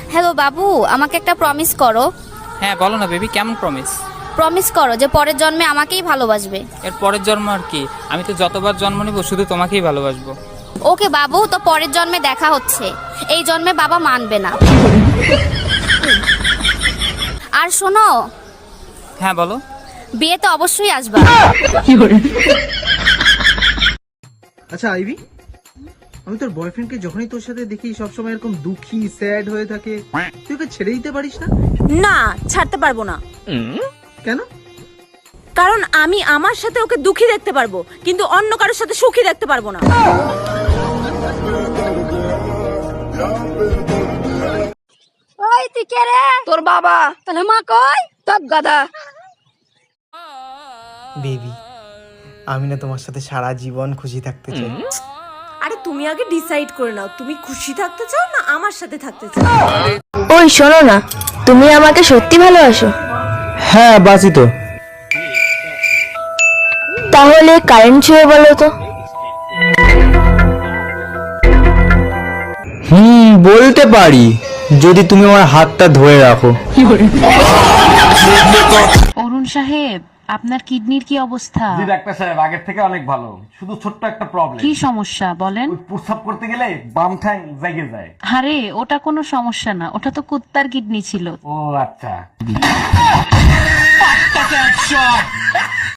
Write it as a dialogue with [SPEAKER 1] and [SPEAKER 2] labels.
[SPEAKER 1] Hello বাবু, আমাকে একটা প্রমিস করো।
[SPEAKER 2] হ্যাঁ বলো না বেবি, কেমন প্রমিস?
[SPEAKER 1] প্রমিস করো যে পরের জন্মে আমাকেই ভালোবাসবে।
[SPEAKER 2] এর পরের জন্ম আর কি? আমি তো যতবার জন্ম নিব শুধু তোমাকেই ভালোবাসবো।
[SPEAKER 1] ওকে বাবু, তো পরের জন্মে দেখা হচ্ছে। এই জন্মে বাবা মানবে না। আর শোনো,
[SPEAKER 2] হ্যাঁ বলো।
[SPEAKER 1] বিয়েতে অবশ্যই আসবা।
[SPEAKER 3] আচ্ছা আইভি, আমি তোর বয়ফ্রেন্ডকে যখনই তোর সাথে দেখি সবসময় এরকম দুঃখী স্যাড হয়ে থাকে, তুই ওকে ছেড়ে দিতে পারিস না?
[SPEAKER 4] না, ছাড়তে পারবো না।
[SPEAKER 3] কেন?
[SPEAKER 4] কারণ আমি আমার সাথে ওকে দুঃখী দেখতে পারবো, কিন্তু অন্য কারোর সাথে সুখী দেখতে পারবো না।
[SPEAKER 1] ওই তুই কে রে? তোর বাবা। তাহলে মা কই? তোর গাদা।
[SPEAKER 5] বেবি, আমি না তোমার সাথে সারা জীবন খুশি থাকতে চাই।
[SPEAKER 4] আরে তুমি আগে ডিসাইড করে নাও, তুমি খুশি থাকতে চাও না আমার সাথে থাকতে চাও।
[SPEAKER 6] ওই শোনো না, তুমি আমাকে সত্যি ভালোবাসো?
[SPEAKER 5] হ্যাঁ বাসি তো।
[SPEAKER 6] তাহলে কারেন্ট ছুঁয়ে বলো তো।
[SPEAKER 5] বলতে পারি, যদি তুমি আমার হাতটা ধরে রাখো।
[SPEAKER 7] অরুণ সাহেব, আপনার কিডনির কি অবস্থা?
[SPEAKER 8] জি ডাক্তার সাহেব, আগের থেকে অনেক ভালো। শুধু ছোট্ট একটা প্রবলেম।
[SPEAKER 7] কি সমস্যা বলেন?
[SPEAKER 8] প্রস্রাব করতে গেলে বাম ঠ্যাং জেগে যায়।
[SPEAKER 7] আরে ওটা কোনো সমস্যা না, ওটা তো কুত্তার কিডনি ছিল।
[SPEAKER 8] ও আচ্ছা।